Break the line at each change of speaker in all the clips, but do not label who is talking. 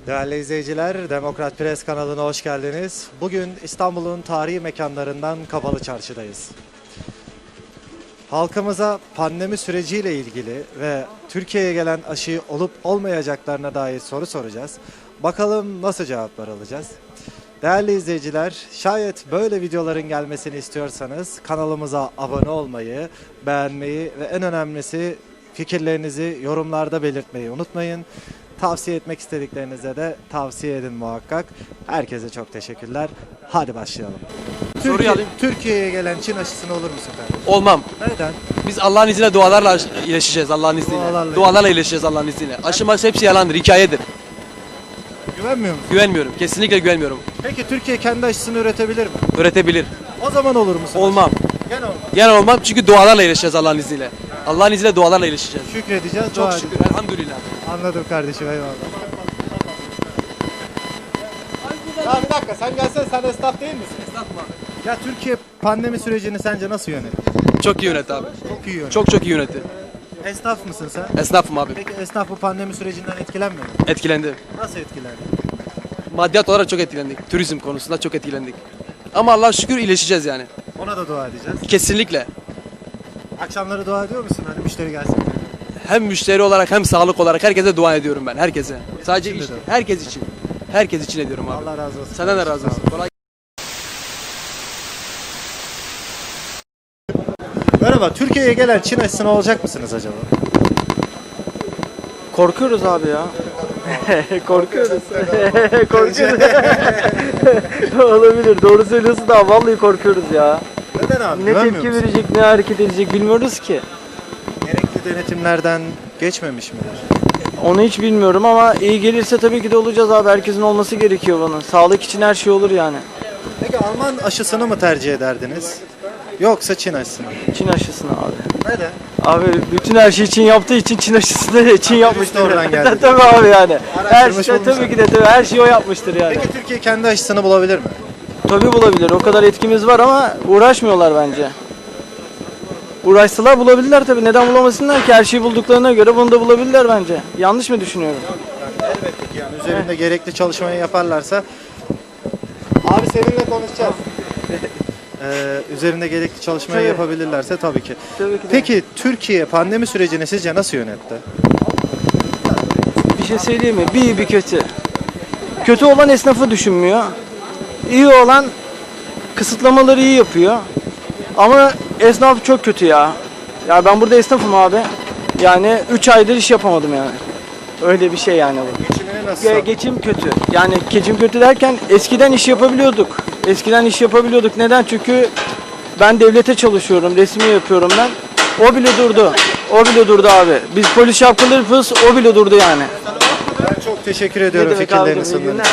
Değerli izleyiciler, Demokrat Press kanalına hoş geldiniz. Bugün İstanbul'un tarihi mekanlarından Kapalı Çarşı'dayız. Halkımıza pandemi süreciyle ilgili ve Türkiye'ye gelen aşı olup olmayacaklarına dair soru soracağız. Bakalım nasıl cevaplar alacağız? Değerli izleyiciler, şayet böyle videoların gelmesini istiyorsanız kanalımıza abone olmayı, beğenmeyi ve en önemlisi fikirlerinizi yorumlarda belirtmeyi unutmayın. Tavsiye etmek istediklerinize de tavsiye edin muhakkak. Herkese çok teşekkürler. Hadi başlayalım.
Soruyu alayım.
Türkiye'ye gelen Çin aşısına olur musun kardeşim?
Olmam.
Neden?
Biz Allah'ın izniyle dualarla iyileşeceğiz Allah'ın izniyle.
Dualarla
iyileşeceğiz Allah'ın izniyle. Aşıması hepsi yalandır, hikayedir.
Güvenmiyor musun?
Güvenmiyorum. Kesinlikle güvenmiyorum.
Peki Türkiye kendi aşısını üretebilir mi?
Üretebilir.
O zaman olur musun?
Olmam.
Gene olmaz.
Yani olmam çünkü dualarla iyileşeceğiz Allah'ın izniyle. Allah'ın izniyle dualarla iyileşeceğiz.
Şükredeceğiz.
Çok
dua
şükür.
edeceğiz.
Elhamdülillah.
Anladım kardeşim, eyvallah. Ya bir dakika, sen gelsen sen esnaf değil misin?
Esnafma.
Ya Türkiye pandemi sürecini sence nasıl yönetti?
Çok iyi yönetti abi.
Çok iyi yönetti.
Çok iyi yönetti.
Esnaf mısın sen?
Esnafım abi.
Peki esnaf bu pandemi sürecinden etkilenmedi mi?
Etkilendi.
Nasıl etkilendi?
Maddiyat olarak çok etkilendik. Turizm konusunda çok etkilendik. Ama Allah'a şükür iyileşeceğiz yani.
Ona da dua edeceğiz.
Kesinlikle.
Akşamları dua ediyor musun? Hani müşteri gelsin.
Hem müşteri olarak hem sağlık olarak herkese dua ediyorum ben. Herkese. Sadece
için de
işte,
de.
herkes için. Herkes için ediyorum abi.
Allah razı olsun.
Senden de razı olsun. Kolay.
Merhaba, Türkiye'ye gelen Çin aşısına olacak mısınız acaba?
Korkuyoruz abi ya. Korkuyoruz. Korkuyoruz. Olabilir. Doğru söylüyorsun da vallahi korkuyoruz ya.
Neden abi?
Ne
Güvenmiyor
tepki
musun?
verecek, ne hareket edecek bilmiyoruz ki.
Gerekli denetimlerden geçmemiş midir?
Onu hiç bilmiyorum ama iyi gelirse tabii ki de olacağız abi. Herkesin olması gerekiyor bunun. Sağlık için her şey olur yani.
Peki Alman aşısını mı tercih ederdiniz? Yoksa Çin aşısını mı?
Çin aşısını abi.
Neden?
Abi bütün her şeyi Çin yaptığı için Çin aşısını da Çin yapmıştır.
oradan geldi.
Tabii abi yani. Her
Araştırmış
şey
bulmuş
tabii ki de tabii her şeyi o yapmıştır yani.
Peki Türkiye kendi aşısını bulabilir mi?
Tabii bulabilir. O kadar etkimiz var ama uğraşmıyorlar bence. Uğraşsalar bulabilirler tabii. Neden bulamasınlar ki? Her şeyi bulduklarına göre bunu da bulabilirler bence. Yanlış mı düşünüyorum?
Yani elbette ki yani üzerinde gerekli çalışmayı yaparlarsa. Abi seninle konuşacağız. Üzerinde gerekli çalışmayı
Tabii.
yapabilirlerse tabii ki.
Tabii ki de.
Peki Türkiye pandemi sürecini sizce nasıl yönetti?
Bir şey söyleyeyim mi? Bir iyi bir kötü. Kötü olan esnafı düşünmüyor. İyi olan kısıtlamaları iyi yapıyor. Ama esnaf çok kötü ya. Ya ben burada esnafım abi. Yani 3 aydır iş yapamadım yani. Öyle bir şey yani bu.
Geçimini nasıl?
Geçim kötü. Yani geçim kötü derken eskiden iş yapabiliyorduk. Eskiden iş yapabiliyorduk. Neden? Çünkü ben devlete çalışıyorum. Resmi yapıyorum ben. O bile durdu. O bile durdu abi. Biz polis şapkalı yapıyoruz. O bile durdu yani.
Ben çok teşekkür ediyorum
Ne demek
fikirlerini
abicim, iyi
sunduğun
günler.
için.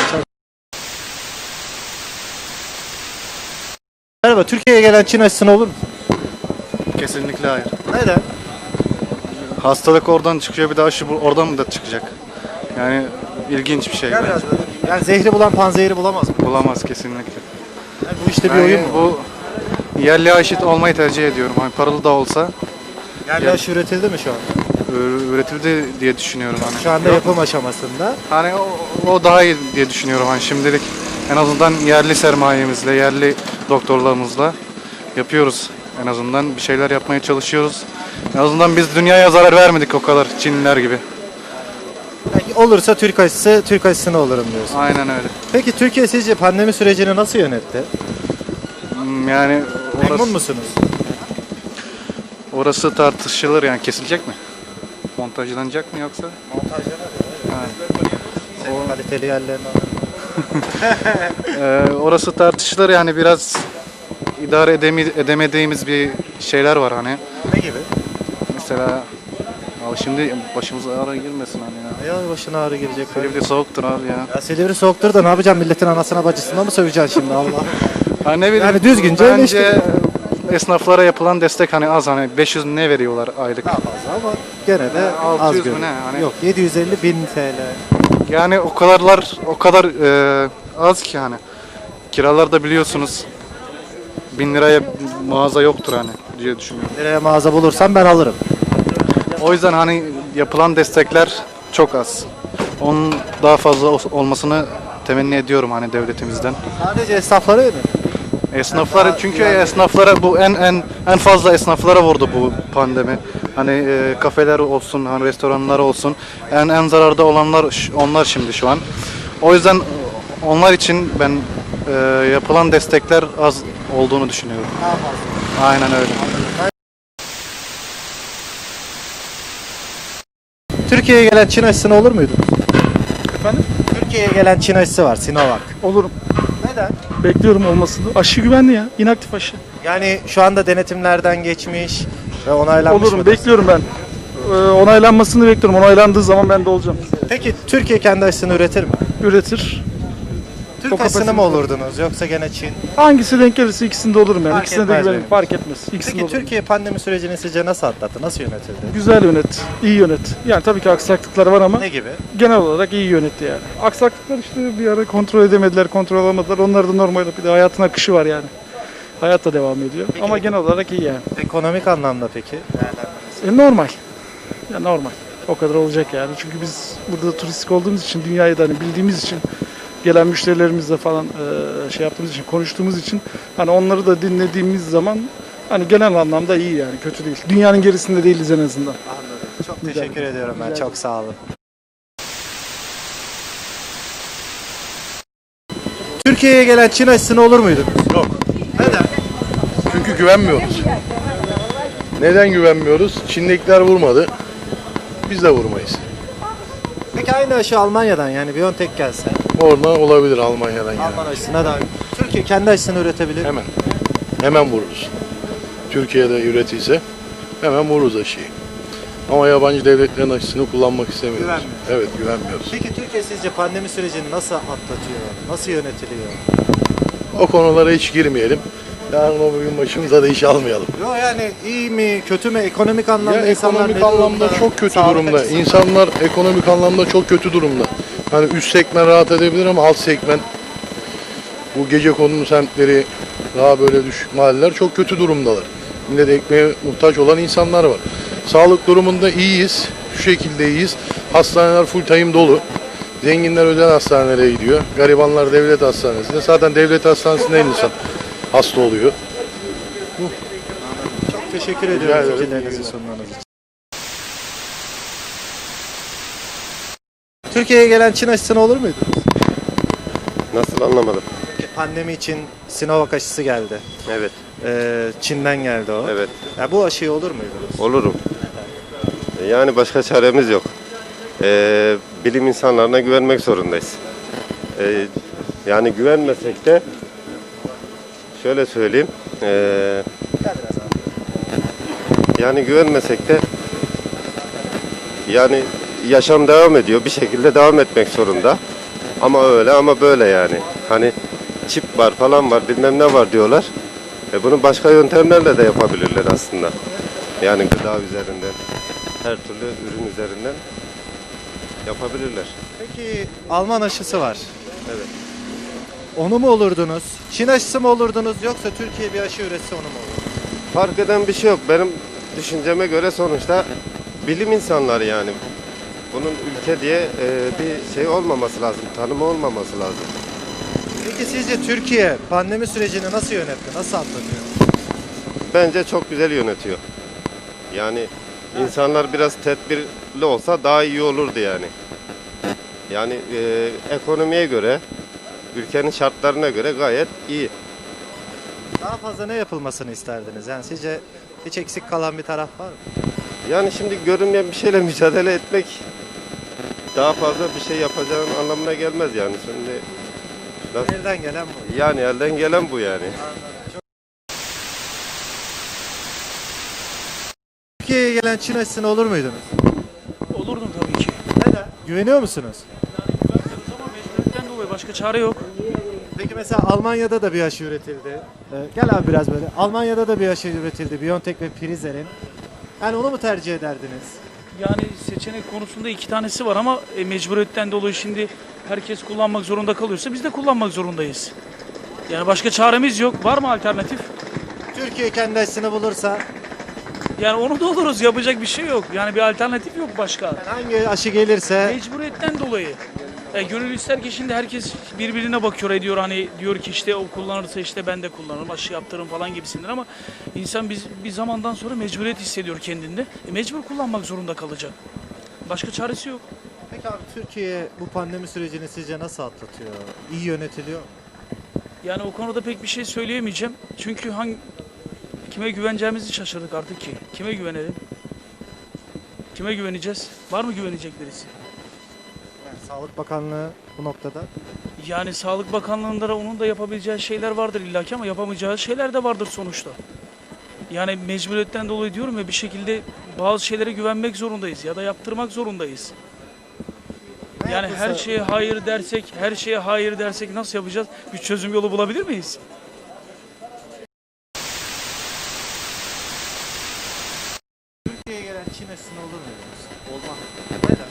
Merhaba, Türkiye'ye gelen Çin aşısına olur mu?
Kesinlikle hayır.
Neden?
Hastalık oradan çıkıyor, bir de aşı oradan mı da çıkacak? Yani ilginç bir şey.
Gel
bence.
biraz böyle. Yani zehri bulan panzehiri bulamaz mı?
Bulamaz kesinlikle.
Yani bu işte bir
Yani
oyun mu?
bu yerli aşı olmayı tercih ediyorum. Hani paralı da olsa
Yerli aşı üretildi mi şu an?
üretildi diye düşünüyorum hani.
Şu anda
Yok
yapım
mu?
aşamasında.
Hani o daha iyi diye düşünüyorum hani şimdilik. En azından yerli sermayemizle, yerli doktorlarımızla yapıyoruz. En azından bir şeyler yapmaya çalışıyoruz. En azından biz dünyaya zarar vermedik o kadar Çinliler gibi.
Peki olursa Türk aşısına olurum diyorsun.
Aynen öyle.
Peki Türkiye sizce pandemi sürecini nasıl yönetti?
Yani
Memnun musunuz?
orası tartışılır yani kesilecek mi? Montajlanacak mı yoksa?
Senin kaliteli yerlerini
Orası tartışılır yani biraz idare edemediğimiz bir şeyler var hani.
ne gibi?
Mesela abi şimdi başımıza ağrı girmesin hani ya.
Ya başına ağrı gelecek.
Silivri soğuktur abi ya.
Ya Silivri soğuktur da ne yapacağım, milletin anasına bacısına mı söveceksin şimdi Allah?
Ha ne bileyim.
Yani düzgünce
bence esnaflara yapılan destek hani az hani 500 ne veriyorlar aylık.
Daha fazla ama gene de
600
az
mü
görünüyor.
ne? Hani-
Yok 750 bin TL.
Yani o kadar az ki hani. Kiralar da biliyorsunuz 1000 liraya mağaza yoktur hani diye düşünüyorum.
Nereye mağaza bulursam ben alırım.
O yüzden hani yapılan destekler çok az. Onun daha fazla olmasını temenni ediyorum hani devletimizden.
Sadece esnaflara yönelik.
Esnaflar çünkü esnaflara bu en fazla esnaflara vurdu bu pandemi. Hani kafeler olsun, hani restoranlar olsun en zararda olanlar onlar şimdi şu an. O yüzden onlar için ben yapılan destekler az olduğunu düşünüyorum.
Daha fazla.
Aynen öyle.
Türkiye'ye gelen Çin aşısına olur muydunuz?
Efendim?
Türkiye'ye gelen Çin aşısı var, Sinovac.
Olurum.
Neden?
Bekliyorum olmasını. Aşı güvenli ya. İnaktif aşı.
Yani şu anda denetimlerden geçmiş ve onaylanmış
Olurum.
mıdır?
Bekliyorum ben. Onaylanmasını bekliyorum. Onaylandığı zaman ben de olacağım.
Peki Türkiye kendi aşısını üretir mi?
Üretir.
Türk
O
aşısını mı
kapasitesi-
olurdunuz yoksa gene Çin?
Hangisi denk gelirse ikisinde olurum yani.
Fark
İkisine de
etmez
güvenirim.
benim
Fark etmez. İkisinde
Peki
olurum.
Türkiye pandemi sürecini sizce nasıl atlattı? Nasıl yönetildi?
Güzel yönet. İyi yönet. Yani tabii ki aksaklıklar var ama
Ne gibi?
genel olarak iyi yönetti yani. Aksaklıklar işte bir ara kontrol edemediler, kontrol alamadılar. Onlar da normal. Bir de hayatın akışı var yani. Hayat da devam ediyor. Ama genel olarak iyi yani.
Ekonomik anlamda peki?
Normal. Ya normal. O kadar olacak yani. Çünkü biz burada turistik olduğumuz için, dünyayı da hani bildiğimiz için, gelen müşterilerimizle falan şey yaptığımız için, konuştuğumuz için hani onları da dinlediğimiz zaman hani genel anlamda iyi yani, kötü değil. Dünyanın gerisinde değiliz en azından.
Anladım. Çok
Güzel.
teşekkür ediyorum ben.
Güzel.
Çok sağ olun. Türkiye'ye gelen Çin aşısına olur muydunuz?
Yok.
Neden?
Çünkü güvenmiyoruz. Neden güvenmiyoruz? Çin'dekiler vurmadı. Biz de vurmayız.
Peki aynı aşı Almanya'dan yani BioNTech gelse
Oradan olabilir Almanya'dan yani.
Alman aşısına da Türkiye kendi aşısını üretebilir mi?
Hemen. Hemen vururuz. Türkiye'de üretilse hemen vururuz aşıyı. Ama yabancı devletlerin aşısını kullanmak istemiyoruz.
Güvenmiyoruz.
Evet, güvenmiyoruz.
Peki Türkiye sizce pandemi sürecini nasıl atlatıyor? Nasıl yönetiliyor?
O konulara hiç girmeyelim. Yarın o bugün başımıza da iş almayalım.
Yok yani iyi mi, kötü mü, ekonomik anlamda
Ya
insanlar
ekonomik
ne
anlamda
durumda?
çok kötü
Sağlık
durumda.
açısından.
İnsanlar ekonomik anlamda çok kötü durumda. Hani üst segment rahat edebilir ama alt segment bu gecekondu semtleri daha böyle düşük mahalleler çok kötü durumdalar. Millet ekmeğe muhtaç olan insanlar var. Sağlık durumunda iyiyiz. Şu şekilde iyiyiz. Hastaneler full time dolu. Zenginler özel hastanelere gidiyor. Garibanlar devlet hastanesinde. Zaten devlet hastanesinde insan hasta oluyor.
Çok teşekkür ediyorum
ederim.
fikirlerinizi sunmanız için. Türkiye'ye gelen Çin aşısına olur muydunuz?
Nasıl anlamadım?
Pandemi için Sinovac aşısı geldi.
Evet,
Çin'den geldi o.
evet.
Ya bu aşıyı olur muydunuz?
Olurum. Yani başka çaremiz yok. Bilim insanlarına güvenmek zorundayız. Yani güvenmesek de şöyle söyleyeyim. Yani güvenmesek de yani yaşam devam ediyor. Bir şekilde devam etmek zorunda. Ama öyle ama böyle yani. Hani çip var falan var bilmem ne var diyorlar. Bunu başka yöntemlerle de yapabilirler aslında. Yani gıda üzerinden, her türlü ürün üzerinden yapabilirler.
Peki Alman aşısı var. Evet. Onu mu olurdunuz? Çin aşısı mı olurdunuz yoksa Türkiye bir aşı üretse onu mu olurdunuz?
Fark eden bir şey yok. Benim düşünceme göre sonuçta bilim insanları yani. Bunun ülke diye bir şey olmaması lazım, tanımı olmaması lazım.
Peki sizce Türkiye pandemi sürecini nasıl yönetti? Nasıl atlatıyor?
Bence çok güzel yönetiyor. Yani insanlar biraz tedbirli olsa daha iyi olurdu yani. Yani ekonomiye göre, ülkenin şartlarına göre gayet iyi.
Daha fazla ne yapılmasını isterdiniz? Yani sizce hiç eksik kalan bir taraf var mı?
Yani şimdi görünmeyen bir şeyle mücadele etmek daha fazla bir şey yapacağın anlamına gelmez yani. Şimdi
Elden gelen bu.
yani elden gelen bu yani.
Türkiye'ye gelen Çin aşısına olur muydunuz?
Olurdum tabii ki.
Neden? Güveniyor musunuz?
Ama mecburiyetten dolayı başka çare yok.
Peki mesela Almanya'da da bir aşı üretildi. Gel abi biraz böyle. Almanya'da da bir aşı üretildi. BioNTech ve Pfizer'in. Yani onu mu tercih ederdiniz?
Yani seçenek konusunda iki tanesi var ama mecburiyetten dolayı şimdi herkes kullanmak zorunda kalıyorsa biz de kullanmak zorundayız. Yani başka çaremiz yok. Var mı alternatif?
Türkiye kendi aşısını bulursa
Yani onu da oluruz. Yapacak bir şey yok. Yani bir alternatif yok başka.
Hangi aşı gelirse
Mecburiyetten dolayı. Gönül ister ki şimdi herkes birbirine bakıyor ediyor hani diyor ki işte o kullanırsa işte ben de kullanırım aşı yaptırırım falan gibisinden ama insan bir zamandan sonra mecburiyet hissediyor kendinde. Mecbur kullanmak zorunda kalacak. Başka çaresi yok.
Peki abi Türkiye bu pandemi sürecini sizce nasıl atlatıyor? İyi yönetiliyor mu?
Yani o konuda pek bir şey söyleyemeyeceğim. Çünkü kime güveneceğimizi şaşırdık artık ki. Kime güvenelim? Kime güveneceğiz? Var mı güvenecek birisi?
Yani Sağlık Bakanlığı bu noktada.
Yani Sağlık Bakanlığı'nda da onun da yapabileceği şeyler vardır illaki ama yapamayacağı şeyler de vardır sonuçta. Yani mecburiyetten dolayı diyorum ya bir şekilde bazı şeylere güvenmek zorundayız ya da yaptırmak zorundayız. Yani her şeye hayır dersek nasıl yapacağız? Bir çözüm yolu bulabilir miyiz?
Türkiye'ye gelen Çin aşısına olur mu diyorsun?
Olmaz.
Neden?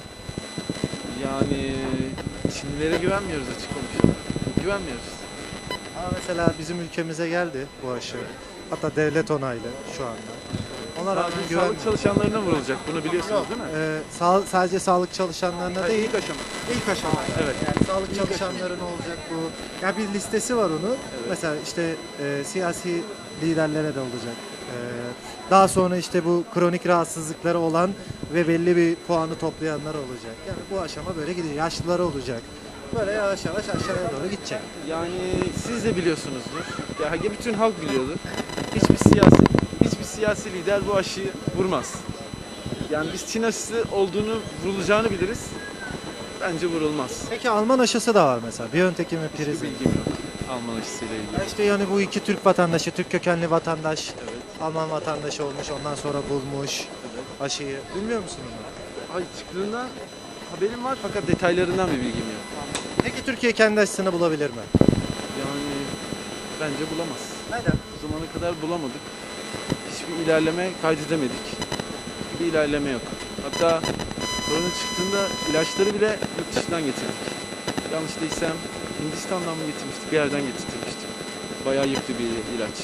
Yani Çinlilere güvenmiyoruz açık konuşalım. Güvenmiyoruz.
Ama mesela bizim ülkemize geldi bu aşı. Hatta devlet onaylı şu anda. Ona rağmen
Sadece
güven...
sağlık çalışanlarına vurulacak. Bunu biliyorsunuz değil mi?
Sadece sağlık çalışanlarına
Hayır,
değil.
ilk aşama.
İlk aşama.
Evet.
Yani sağlık çalışanların olacak bu. Ya bir listesi var onun. Mesela işte siyasi liderlere de olacak. Daha sonra işte bu kronik rahatsızlıkları olan ve belli bir puanı toplayanlar olacak. Yani bu aşama böyle gidiyor. Yaşlıları olacak. Böyle yavaş yavaş aşağıya doğru gidecek.
Yani siz de biliyorsunuzdur. Ya bütün halk biliyordur. Hiçbir siyasi lider bu aşıyı vurmaz. Yani biz Çin aşısı vurulacağını biliriz. Bence vurulmaz.
Peki Alman aşısı da var mesela. BioNTech'in ve
Hiçbir
Pfizer'in.
bilgim yok Alman aşısıyla ilgili.
Ya İşte yani bu iki Türk vatandaşı, Türk kökenli vatandaş,
Evet.
Alman vatandaşı olmuş, ondan sonra bulmuş aşıyı. Bilmiyor musun onu?
Ay çıktığından haberim var fakat detaylarından bir bilgim yok.
Peki Türkiye kendi aşısını bulabilir mi?
Yani bence bulamaz.
Neden?
Bu zamana kadar bulamadık. Hiçbir ilerleme kaydedemedik. Hiçbir ilerleme yok. Hatta korona çıktığında ilaçları bile yurt dışından getirdik. Yanlış değilsem Hindistan'dan mı getirmiştik, bir yerden getirtmiştik. Bayağı yüklü bir ilaç.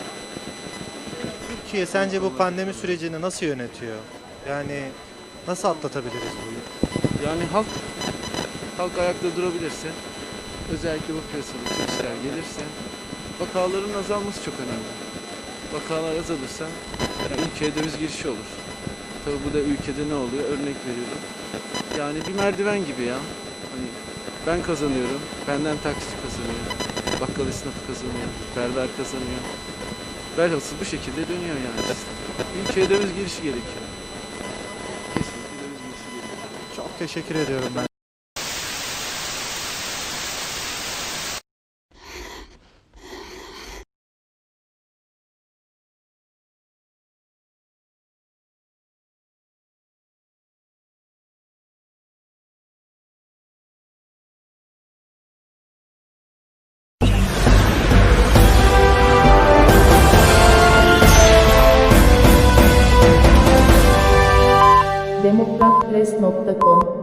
Türkiye sence bu pandemi sürecini nasıl yönetiyor? Yani nasıl atlatabiliriz bu yıl?
Yani halk ayakta durabilirse, özellikle bu piyasada turistler gelirse, vakaların azalması çok önemli. Vakalar azalırsa ülkeye döviz girişi olur. Tabii bu da ülkede ne oluyor? Örnek veriyorum. Yani bir merdiven gibi ya. Hani ben kazanıyorum, benden taksici kazanıyor, bakkal esnafı kazanıyor, berber kazanıyor. Velhasıl bu şekilde dönüyor yani sistem. Ülkeye döviz girişi gerekiyor. Kesinlikle döviz girişi gerekiyor.
Çok teşekkür ediyorum ben.
demokratpress.com